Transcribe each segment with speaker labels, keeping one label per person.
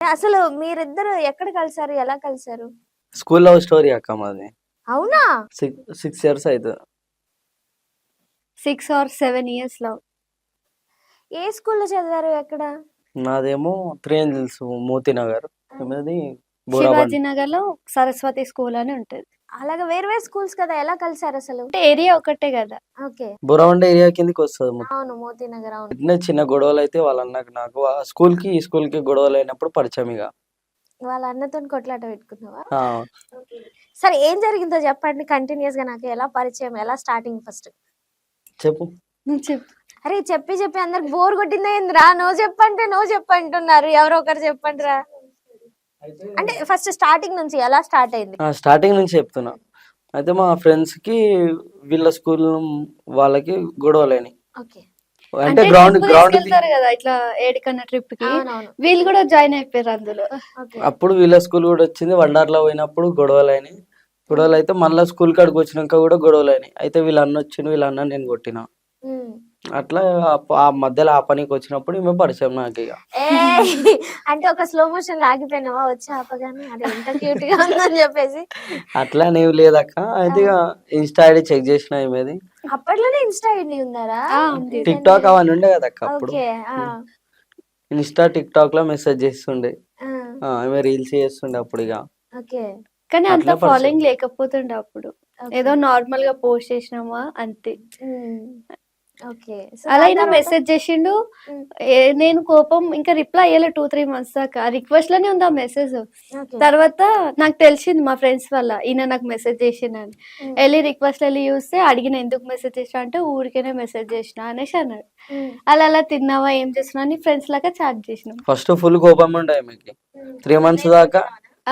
Speaker 1: అసలు మీరిద్దరు ఎక్కడ కలిసారు? ఎలా కలిసారు?
Speaker 2: స్కూల్ లవ్ స్టోరీ అక్క మాది.
Speaker 1: అవునా?
Speaker 2: 6 ఇయర్స్ అవుతుంది.
Speaker 3: 6 or 7 years లవ్.
Speaker 1: ఏ స్కూల్లో చదివారు? ఎక్కడ?
Speaker 2: నాదేమో 3 ఏంజల్స్ మోతీ నగర్, ఏమది బోరాబండ్.
Speaker 3: శివాజీ నగర్ లో సరస్వతి స్కూల్ అని ఉంటది.
Speaker 1: అలాగా వేరు వేరు స్కూల్స్ కదా, ఎలా కలిసారు అసలు?
Speaker 3: అంటే ఏరియా ఒకటే కదా.
Speaker 1: ఓకే.
Speaker 2: బోరాబండ్ ఏరియా కిందకి వస్తుంది మొత్తం.
Speaker 1: అవును, మోతీ నగర్. అవును.
Speaker 2: ఇట్నే చిన్న గొడవలు అయితే వాళ్ళ అన్నకు నాకు ఆ స్కూల్ కి గొడవలు అయినప్పుడు పరిచయం ఇక.
Speaker 1: వాళ్ళ అన్నతో కొట్లాట పెట్టుకున్నావా?
Speaker 2: ఆ,
Speaker 1: సరే, ఏం జరిగిందో చెప్పండి కంటిన్యూస్ గా. నాకు ఎలా పరిచయం, ఎలా స్టార్టింగ్ ఫస్ట్
Speaker 2: చెప్పు.
Speaker 3: నువ్వు చెప్పు.
Speaker 1: అరే చెప్పి అందరికి బోర్ కొట్టిందా ఏందిరా? నో చెప్పంటే నో చెప్పంటున్నారు. ఎవరో ఒకరు చెప్పండి రా. అంటే ఫస్ట్ స్టార్టింగ్ నుంచి ఎలా స్టార్ట్ అయింది?
Speaker 2: స్టార్టింగ్ నుంచి చెప్తున్నా. అయితే మా ఫ్రెండ్స్ కి వీళ్ళ స్కూల్ వాళ్ళకి గొడవలేని,
Speaker 1: ఓకే.
Speaker 2: అంటే
Speaker 3: అంటే
Speaker 2: గ్రౌండ్
Speaker 3: trip
Speaker 2: గ్రౌండ్
Speaker 3: తీసుకెళ్తారు కదా ఇట్లా ఏడికన్నా ట్రిప్ కి.
Speaker 1: అవునవును.
Speaker 3: వీళ్ళు కూడా జాయిన్ అయిపోయారు అందులో.
Speaker 1: ఓకే.
Speaker 2: అప్పుడు వీళ్ళ స్కూల్ కూడా వచ్చింది. వండర్లా పోయినప్పుడు గొడవలైనవి. గొడవలు అయితే మళ్ళీ స్కూల్ కాడికి వచ్చినాక కూడా గొడవలైనవి. అయితే వీళ్ళ అన్న వచ్చిండు, వీళ్ళ అన్న నేను కొట్టిన.
Speaker 1: ఉమ్.
Speaker 2: అట్లా ఆ మధ్యలో ఆ పనికి వచ్చినప్పుడు ఈమె పరిచయం నాకు ఇక.
Speaker 1: ఏ అంటే ఒక స్లో మోషన్ ఆగిపోయినావా వచ్చి ఆపగానే? అదే ఎంత క్యూట్ గా ఉందని చెప్పేసి.
Speaker 2: అట్లా నేవి లేదక్క. అయితే ఇక ఇన్స్టా ఐడి చెక్ చేసిన ఈమెది.
Speaker 1: అప్పట్లోనే ఇన్స్టా ఐడి ఉందారా?
Speaker 3: ఉంది.
Speaker 2: టిక్ టాక్ అవన్నీ ఉండే కదా అక్క అప్పుడు.
Speaker 1: ఓకే.
Speaker 2: ఇన్స్టా టిక్ టాక్ లో మెసేజ్ చేస్తుండే. ఆమె రీల్స్ చేస్తుండే అప్పుడు ఇక.
Speaker 1: ఓకే.
Speaker 3: కానీ అంత
Speaker 2: అట్లా పరిచయం.
Speaker 3: ఫాలోయింగ్ లేకపోతుండే అప్పుడు. ఏదో నార్మల్ గా పోస్ట్ చేసినామా అంతే.
Speaker 1: ఓకే.
Speaker 3: అలా అయినా మెసేజ్ చేసిండు. నేను కోపం ఇంకా రిప్లై అయ్యలే 2-3 months దాకా. రిక్వెస్ట్ లోనే ఉంది ఆ మెసేజ్. తర్వాత నాకు తెలిసింది మా ఫ్రెండ్స్ వల్ల ఈయన నాకు మెసేజ్ చేసిండని. వెళ్ళి రిక్వెస్ట్ వెళ్ళి చూస్తే అడిగిన ఎందుకు మెసేజ్ చేసిన అంటే ఊరికేనే మెసేజ్ చేసిన అనేసి అన్నాడు. అలా తిన్నావా ఏం చేస్తున్నావు అని ఫ్రెండ్స్ లాగా చాట్ చేసినాం.
Speaker 2: ఫస్ట్ ఫుల్ కోపం ఉండే ఆమెకి. 3 months దాకా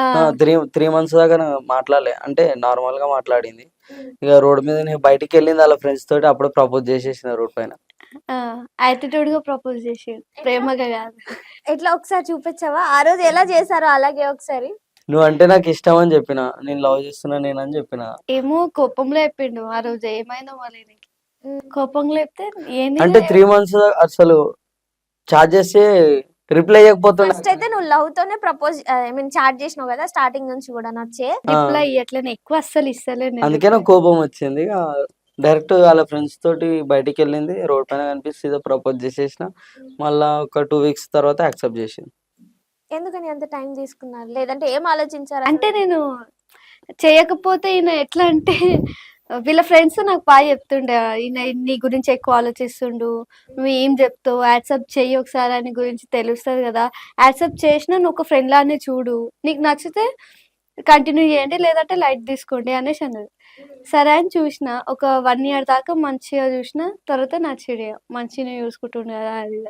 Speaker 2: 3 months దాకా మాట్లాడలే, అంటే నార్మల్ గా మాట్లాడింది. ఇక రోడ్ మీద నేను బయటికి వెళ్ళింది వాళ్ళ ఫ్రెండ్స్ తోటి, అప్పుడు ప్రపోజ్ చేసేసిన రోడ్ పైన.
Speaker 3: యాటిట్యూడ్ గా ప్రపోజ్ చేసి, ప్రేమగా కాదు.
Speaker 1: ఎట్లా ఒకసారి చూపించావా? ఆ రోజు ఎలా చేశారో అలాగే ఒకసారి.
Speaker 2: నువ్వు అంటే నాకు ఇష్టం అని చెప్పిన, నేను లవ్ చేస్తున్నా నేను అని చెప్పిన.
Speaker 3: ఏమో కోపంలో చెప్పిండు ఆ రోజు. ఏమైందో మళ్ళీ కోపంలో చెప్తే ఏంది
Speaker 2: అంటే 3 months అసలు చార్జ్ చేస్తే రిప్లై ఇవ్వకపోతున్నా.
Speaker 1: ఫస్ట్ అయితే నువ్వు లవ్ తోనే ప్రపోజ్ ఐ మీన్ చాట్ చేసినావు కదా స్టార్టింగ్ నుంచి కూడా నచ్చే.
Speaker 3: రిప్లై ఇవ్వట్లేను ఎక్కువ, అస్సలు ఇస్తలేను.
Speaker 2: అందుకే నాకు కోపం వచ్చింది. డైరెక్ట్ వాళ్ళ ఫ్రెండ్స్ తోటి బయటికి వెళ్ళింది, రోడ్ పైన కనిపిస్తే ఏదో ప్రపోజ్ చేసేసిన. మళ్ళా ఒక 2 weeks తర్వాత యాక్సెప్ట్ చేసింది.
Speaker 1: ఎందుకని అంత టైం తీసుకున్నారు? లేదంటే ఏం ఆలోచించారు?
Speaker 3: అంటే నేను చేయకపోతే ఈయన ఎట్లా అంటే వీళ్ళ ఫ్రెండ్స్ నాకు బాగా చెప్తుండే, ఈయన నీ గురించి ఎక్కువ ఆలోచిస్తుండు, నువ్వు ఏం చెప్తావు, యాక్సెప్ట్ చెయ్యి ఒకసారి అని గురించి తెలుస్తుంది కదా, యాక్సెప్ట్ చేసినా నువ్వు ఒక ఫ్రెండ్ లానే చూడు, నీకు నచ్చితే కంటిన్యూ చేయండి లేదంటే లైట్ తీసుకోండి అనేసి అన్నది. సరే అని చూసిన. ఒక 1 year దాకా మంచిగా చూసిన. తర్వాత నచ్చిడే, మంచిగా చూసుకుంటుండే కదా అది.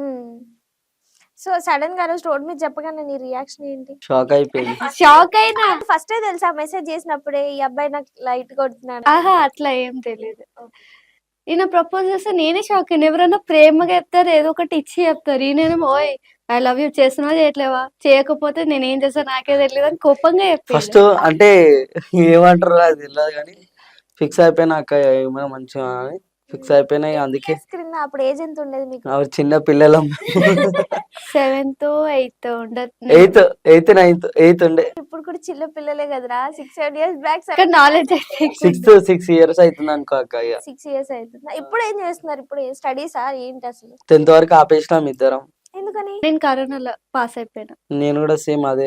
Speaker 1: సో సడన్ గా రోజు రోడ్ మీద చెప్పగానే నీ రియాక్షన్ ఏంటి?
Speaker 2: షాక్ అయిపోయింది.
Speaker 3: షాక్ అయినా.
Speaker 1: ఫస్ట్ తెలుసా మెసేజ్ చేసినప్పుడే ఈ అబ్బాయి నాకు లైట్ కొడుతున్నాడు?
Speaker 3: ఆహా అట్లా ఏం తెలియదు. ఈయన ప్రపోజ్ చేస్తే నేనే షాక్ అయినా. ఎవరైనా ప్రేమగా చెప్తారు, ఏదో ఒకటి ఇచ్చి చెప్తారు. ఈయనేమో ఓయ్ ఐ లవ్ యూ చేస్తున్నావా చేయట్లేవా, చేయకపోతే నేను ఏం చేస్తా నాకే తెలియదు అని కోపంగా
Speaker 2: ఫస్ట్ అంటే ఏమంటారు అది తెలియదు కానీ ఫిక్స్ అయిపోయినా అక్క ఏమైనా మంచిగా అని ఫిక్స్ అయిపోయినా. అందుకే
Speaker 1: అప్పుడు ఏజ్ ఎంత ఉండేది మీకు?
Speaker 2: చిన్న పిల్లలం.
Speaker 3: 7th 8th ఉండదు.
Speaker 2: 8th 9th ఉండే.
Speaker 1: ఇప్పుడు కూడా చిన్న పిల్లలే కదరా. 6-7 years బ్యాక్.
Speaker 3: నాలెడ్జ్
Speaker 2: 6 years అవుతుంది అనుకో అక్క.
Speaker 1: 6 years అవుతుంది. ఇప్పుడు ఏం చేస్తున్నారు? ఇప్పుడు స్టడీసా ఏంటి అసలు?
Speaker 2: 10th వరకు ఆపేసినాం ఇద్దరం.
Speaker 1: ఎందుకని?
Speaker 3: నేను కరోనాలో పాస్ అయిపోయినా.
Speaker 2: నేను కూడా సేమ్ అదే.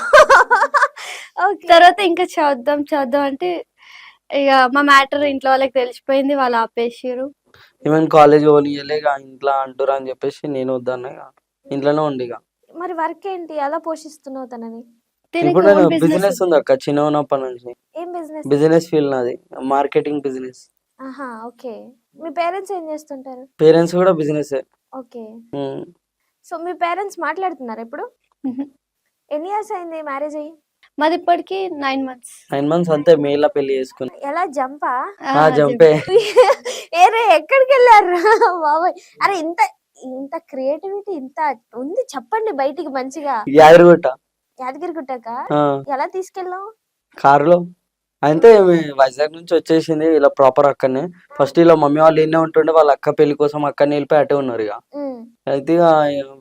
Speaker 3: తర్వాత ఇంకా చదువుదాం అంటే ఇక మా మ్యాటర్ ఇంట్లో వాళ్ళకి తెలిసిపోయింది, వాళ్ళు ఆపేసారు.
Speaker 2: ఈవెన్ కాలేజ్ పోనీయలే, ఇంట్లో అంటురా అని చెప్పేసి నేను వద్దన్నా, ఇంట్లోనే ఉండి.
Speaker 1: మరి వర్క్ ఏంటి ఎలా పోషిస్తున్నావు తనని?
Speaker 2: ఇప్పుడు నేను బిజినెస్ ఉంది అక్క చిన్న ఉన్నప్పటి నుంచి.
Speaker 1: ఏం బిజినెస్?
Speaker 2: బిజినెస్ ఫీల్డ్ నాది, మార్కెటింగ్ బిజినెస్.
Speaker 1: ఆహా ఓకే. మీ పేరెంట్స్ ఏం చేస్తుంటారు?
Speaker 2: పేరెంట్స్ కూడా బిజినెస్.
Speaker 1: ఓకే. సో మీ పేరెంట్స్ మాట్లాడుతున్నారా ఇప్పుడు? ఎన్ని ఇయర్స్ అయింది మ్యారేజ్ అయ్యి?
Speaker 3: మాది ఇప్పటికి 9 months.
Speaker 2: 9 months అంతే. మేలా పెళ్లి చేసుకుని.
Speaker 1: ఎలా జంపా?
Speaker 2: జంపే.
Speaker 1: ఏరే ఎక్కడికి వెళ్ళారు బాబాయ్? అరే ఇంత ఇంత క్రియేటివిటీ ఇంత ఉంది చెప్పండి బయటికి మంచిగా. యాదగిరిగుట్టక ఎలా తీసుకెళ్ళావు?
Speaker 2: కారులో. అంటే వైజాగ్ నుంచి వచ్చేసింది. ఇలా ప్రాపర్ అక్కడనే. ఫస్ట్ ఇలా మమ్మీ వాళ్ళు ఎన్నే ఉంటుండే, వాళ్ళ అక్క పెళ్లి కోసం అక్కడనే వెళ్ళిపోయి అటే ఉన్నారు. ఇక అయితే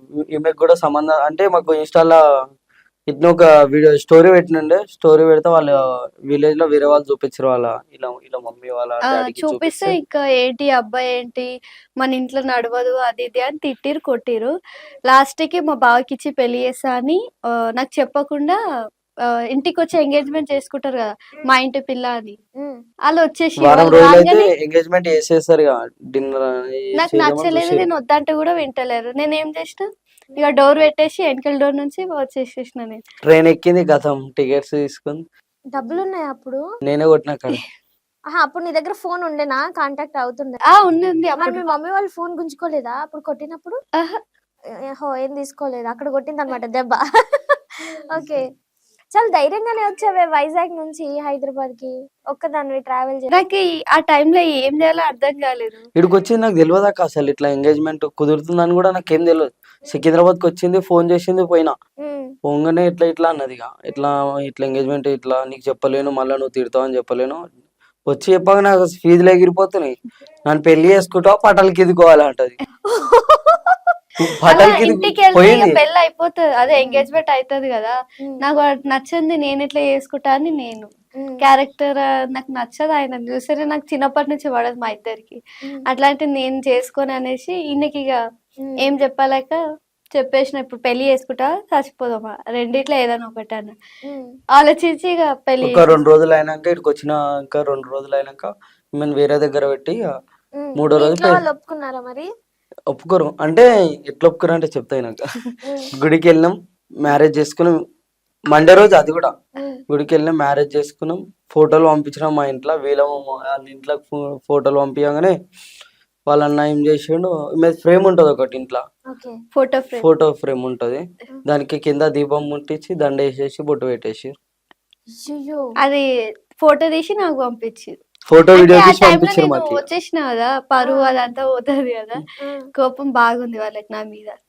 Speaker 2: ఈమెకు కూడా సంబంధం అంటే మాకు ఇన్స్టాలో ఇట్లా ఒక వీడియో స్టోరీ పెట్టినండే, స్టోరీ పెడితే వాళ్ళ విలేజ్ లో వేరే వాళ్ళు చూపించారు, వాళ్ళ ఇలా ఇలా మమ్మీ వాళ్ళ డాడీకి
Speaker 3: చూపిస్తే
Speaker 2: చూపిస్తే
Speaker 3: ఇంకా ఏంటి అబ్బాయి ఏంటి మన ఇంట్లో నడవదు అది ఇది అని తిట్టిరు కొట్టిరు. లాస్ట్ కి మా బావకి ఇచ్చి పెళ్లి చేస్తా అని నాకు చెప్పకుండా ఇంటికి వచ్చి ఎంగేజ్మెంట్ చేసుకుంటారు కదా మా ఇంటి పిల్ల అని. వాళ్ళు వచ్చేసి
Speaker 2: వారం
Speaker 3: వాళ్ళు
Speaker 2: రోజులు అయితే
Speaker 3: రాగానే
Speaker 2: ఎంగేజ్మెంట్ చేసేస్తారు ఇక డిన్నర్
Speaker 3: నాకు నచ్చలేదు, నేను వద్దంటే కూడా వింటలేరు. నేను ఏం చేసిన ఇక డోర్ పెట్టేసి వెనకల డోర్ నుంచి వచ్చేసేసిన నేను.
Speaker 2: ట్రైన్ ఎక్కింది గతం, టికెట్స్ తీసుకుంది,
Speaker 1: డబ్బులు ఉన్నాయి అప్పుడు?
Speaker 2: నేనే కొట్టిన అక్కడ.
Speaker 1: అప్పుడు నీ దగ్గర ఫోన్ ఉండేనా, కాంటాక్ట్ అవుతుండే?
Speaker 3: ఉంది
Speaker 1: మరి
Speaker 3: అప్పుడు.
Speaker 1: మీ మమ్మీ వాళ్ళు ఫోన్ గుంజుకోలేదా అప్పుడు కొట్టినప్పుడు?
Speaker 3: ఆహా.
Speaker 1: ఏం తీసుకోలేదు, అక్కడ కొట్టింది అనమాట దెబ్బ. ఓకే, చాలా ధైర్యంగానే వచ్చావే వైజాగ్ నుంచి హైదరాబాద్ కి ఒక్కదానివి ట్రావెల్ చేసి.
Speaker 3: నాకు ఆ టైంలో ఏం చేయాలో అర్థం కాలేదు.
Speaker 2: ఇక్కడికి వచ్చింది నాకు తెలియదు అక్క, అసలు ఇట్లా ఎంగేజ్మెంట్ కుదురుతుందని కూడా నాకేం తెలియదు. సికింద్రాబాద్కి వచ్చింది, ఫోన్ చేసింది, పోయినా. పోగానే ఇట్లా ఇట్లా అన్నది, ఇక ఇట్లా ఇట్లా ఎంగేజ్మెంట్ ఇట్లా నీకు చెప్పలేను, మళ్ళీ నువ్వు తిడతావు అని చెప్పలేను. వచ్చి చెప్పాక నాకు ఫీజులు ఎగిరిపోతున్నాయి. నన్ను పెళ్లి చేసుకుంటావు, పటాలకి ఎదుకోవాలంటది.
Speaker 3: అలా
Speaker 2: పటాలకి
Speaker 3: ఇంటికి వెళ్తే ఇక
Speaker 2: పోయింది.
Speaker 3: పెళ్ళి అయిపోతుంది, అదే ఎంగేజ్మెంట్ అవుతుంది కదా. నాకు అది నచ్చింది, నేను ఇట్లా చేసుకుంటా అని నేను క్యారెక్టర్ నాకు నచ్చదు. ఆయన చూస్తే నాకు చిన్నప్పటి నుంచి పడదు మా ఇద్దరికి. అట్లాంటి నేను చేసుకొని అనేసి ఈయనకి ఇక ఏం చెప్పలేక చెప్పేసిన ఇప్పుడు పెళ్లి చేసుకుంటా చచ్చిపోదామా రెండిట్లో ఏదైనా ఒకటి అన్న ఆలోచించి ఇక పెళ్లి
Speaker 2: ఒక 2 రోజులు అయినాక ఇక్కడికి వచ్చినాక 2 రోజులు అయినాక మేము వేరే దగ్గర పెట్టి మూడో రోజు
Speaker 1: ఇంట్లో వాళ్ళు ఒప్పుకున్నారా మరి?
Speaker 2: ఒప్పుకోరు. అంటే ఎట్లా ఒప్పుకోరు అంటే చెప్తాయి నాకు. గుడికి వెళ్ళినాం, మ్యారేజ్ చేసుకున్నాం మండే రోజు, అది కూడా గుడికి వెళ్ళినాం, మ్యారేజ్ చేసుకున్నాం, ఫోటోలు పంపించినాం మా ఇంట్లో. వాళ్ళ ఇంట్లో ఫోటోలు పంపించగానే వాళ్ళ అన్న ఏం చేసిండు, మీద ఫ్రేమ్ ఉంటది ఒకటి ఇంట్లో, ఫోటో ఫ్రేమ్ ఉంటది, దానికి కింద దీపం ముట్టించి దండ వేసేసి బొట్టు పెట్టేసి
Speaker 3: అది ఫోటో తీసి నాకు పంపించి
Speaker 2: ఫోటో వీడియో తీసి పంపించారు మాకు.
Speaker 3: వచ్చేసిన కదా, పరువు అదంతా పోతుంది కదా, కోపం బాగుంది వాళ్ళకి నా మీద.